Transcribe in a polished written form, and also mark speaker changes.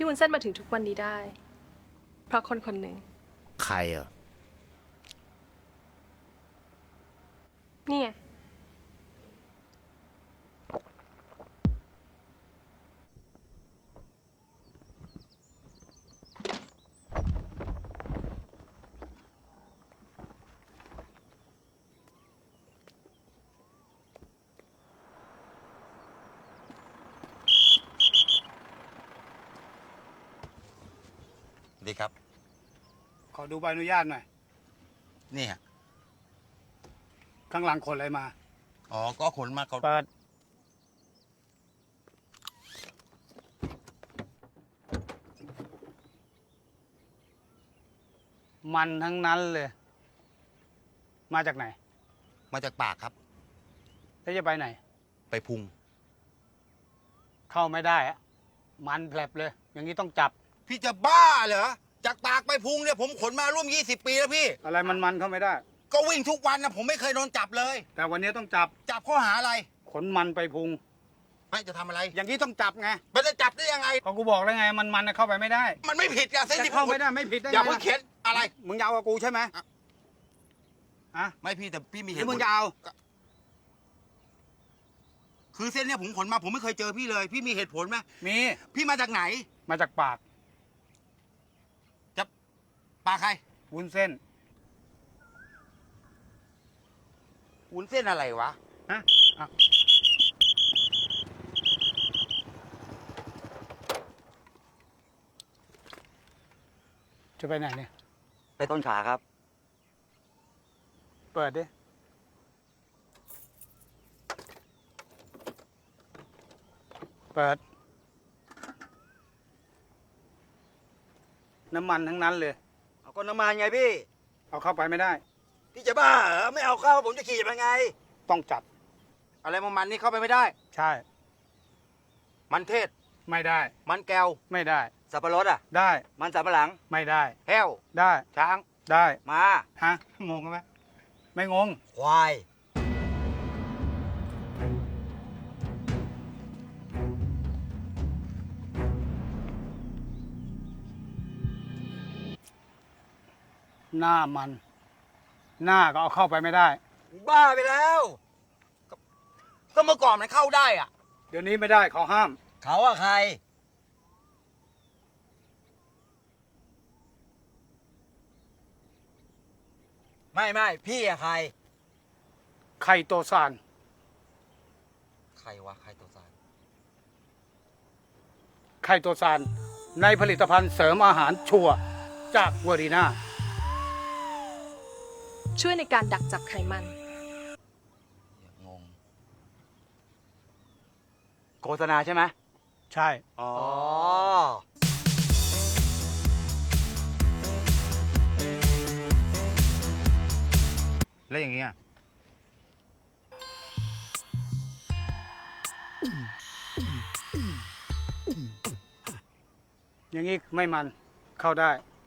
Speaker 1: วุ้นเส้นมาถึงทุกวันนี้ได้ เพราะคนคนหนึ่ง
Speaker 2: ใครอ่ะ
Speaker 1: นี่ไง
Speaker 2: ดีครับ
Speaker 3: ขอดูใบอนุญาตหน่อย
Speaker 2: นี่ฮะ
Speaker 3: ข้างหลังขนอะไรมา
Speaker 2: อ๋อ ก็ขนมาเขา
Speaker 3: เปิด มันทั้งนั้นเลย มาจากไหน
Speaker 2: มาจากปากครับ
Speaker 3: แล้วจะไปไหน
Speaker 2: ไปพุง
Speaker 3: เข้าไม่ได้อะมันแผลบเลย อย่างนี้ต้องจับ
Speaker 2: พี่จะบ้าเหรอ จากปากไปพุงเนี่ยผมขนมาร่วม 20 ปีแล้วพี่
Speaker 3: อะไรมันเข้าไม่ได้
Speaker 2: ก็วิ่งทุกวันนะผมไม่เคยโดนจับเลย
Speaker 3: แต่วันนี้ต้องจับ
Speaker 2: จับข้อหาอะไร
Speaker 3: ขนมันไปพุง
Speaker 2: ไม่จะทำอะไร
Speaker 3: อย่างนี้ต้องจับไง
Speaker 2: มันจะจับได้ยังไง
Speaker 3: ก็กูบอกแล้วไง มันเข้าไปไม่ได้
Speaker 2: มันไม่ผิดอะเส้น
Speaker 3: จะ
Speaker 2: ที่ผ
Speaker 3: เข้าม ไม่ได้ไม่ผิดได้ไง
Speaker 2: อย่าเพิ่งเข็นอะไร
Speaker 3: มึงจะเอากับกูใช่ไหมอะ
Speaker 2: ไม่พี่แต่พี่มี
Speaker 3: ห
Speaker 2: เห
Speaker 3: รือ
Speaker 2: ตุผ
Speaker 3: มึง
Speaker 2: ล
Speaker 3: จะเอา
Speaker 2: คือเส้นเนี่ยผมขนมาผมไม่เคยเจอพี่เลย พี่มีเหตุผลไหม
Speaker 3: มี
Speaker 2: พี่มาจากไหน
Speaker 3: มาจากปาก
Speaker 2: จะปากใคร
Speaker 3: วุ้นเส้น
Speaker 2: วุ้นเส้นอะไรวะ
Speaker 3: ฮะอ่ะจะไปไหนเนี่ย
Speaker 4: ไปต้นขาครับ
Speaker 3: เปิดดิ เปิด น้ำมันทั้งนั้นเลย
Speaker 4: เอาก็น้ำมันไงพี่
Speaker 3: เอาเข้าไปไม่ได้
Speaker 4: พี่จะบ้าเหรอ ไม่เอาเข้าผมจะขี่ไปไง
Speaker 3: ต้องจับ
Speaker 2: อะไรมันนี่เข้าไปไม่ได้
Speaker 3: ใช่
Speaker 2: มันเทศ
Speaker 3: ไม่ได้
Speaker 2: มันแก้ว
Speaker 3: ไม่ได้
Speaker 4: สับปะรดอ่ะ
Speaker 3: ได้
Speaker 4: มันสับปะหลัง
Speaker 3: ไม่ได้
Speaker 2: แห้ว
Speaker 3: ได้
Speaker 2: ช้าง
Speaker 3: ได้
Speaker 4: มา
Speaker 3: ฮะ งงไหมไม่งง
Speaker 4: ควาย
Speaker 3: หน้ามัน หน้าก็เอาเข้าไปไม่ได้
Speaker 4: บ้าไปแล้ว
Speaker 2: ก็เมื่อก่อนมันเข้าได้อะ
Speaker 3: เดี๋ยวนี้ไม่ได้เขาห้าม
Speaker 4: เขาอะใคร ไม่พี่อะใคร
Speaker 3: ไข่โตซาน
Speaker 2: ใครวะใครตัวสาร
Speaker 3: ไข่โตซานในผลิตภัณฑ์เสริมอาหารชัวร์จากเวอรีนา
Speaker 1: ช่วยในการดักจับไขมัน
Speaker 2: งง
Speaker 4: โฆษณาใช่ไหม
Speaker 3: ใช่
Speaker 4: อ๋อ
Speaker 2: แล้วอย่างเงี้ย
Speaker 3: อย่างนี้ไม่มันเข้าได้